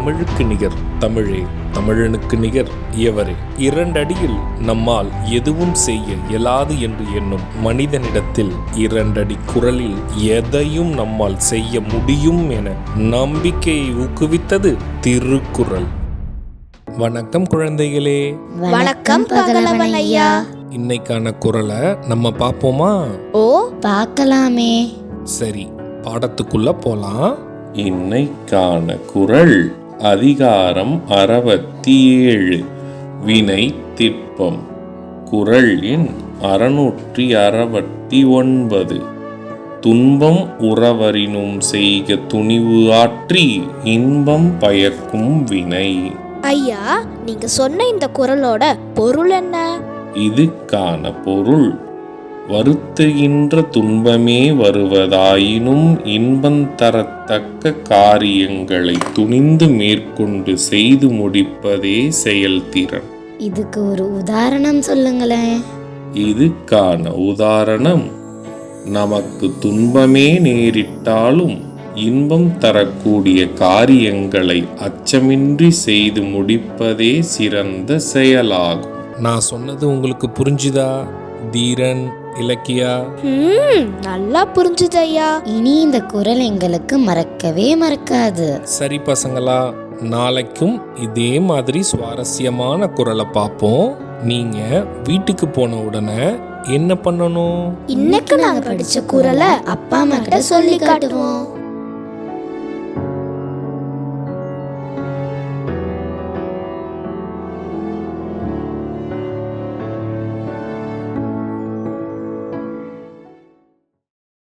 தமிழுக்கு நிகர் தமிழே, தமிழனுக்கு நிகர் எவரே. 2 அடியில் நம்மால் எதுவும் செய்ய இயலாது என்று எண்ணும் மனிதனிடத்தில் 2 அடி குரலில் எதையும் நம்மால் செய்ய முடியும் என நம்பிக்கையை ஊக்குவித்தது திருக்குறள். வணக்கம் குழந்தைகளே. வணக்கம் பகலவன் ஐயா. இன்னைக்கான குறளை நம்ம பார்ப்போமா? ஓ, பார்க்கலாமே. சரி, பாடத்துக்குள்ள போலாம். இன்னைக்கான குறள் அதிகாரம் 67 வினை திட்பம். குறள் எண் 669. துன்பம் உறவரினும் செய்க துணிவு ஆற்றி இன்பம் பயக்கும் வினை. ஐயா, நீங்க சொன்ன இந்த குறளோட பொருள் என்ன? இதுக்கான பொருள், வருத்துகின்ற துன்பமே வருவதாயினும் இன்பம் தரத்தக்க காரியங்களை துணிந்து மேற்கொண்டு செய்து முடிப்பதே செயல்திறன். இதுக்கு ஒரு உதாரணம் சொல்லுங்களேன். இதுக்கான உதாரணம், நமக்கு துன்பமே நேரிட்டாலும் இன்பம் தரக்கூடிய காரியங்களை அச்சமின்றி செய்து முடிப்பதே சிறந்த செயலாகும். நான் சொன்னது உங்களுக்கு புரிஞ்சுதா தீரன், இலக்கியா? நல்லா புரிஞ்சுது ஐயா. இனி இந்த குறள் எங்களுக்கு மறக்கவே மறக்காது. சரி பசங்களா, நாளைக்கும் இதே மாதிரி சுவாரஸ்யமான குறளை பார்ப்போம். நீங்க வீட்டுக்கு போன உடனே என்ன பண்ணணும்? இன்னைக்கு நாங்க படிச்ச குறளை அப்பா அம்மா கிட்ட சொல்லி காட்டுவோம்.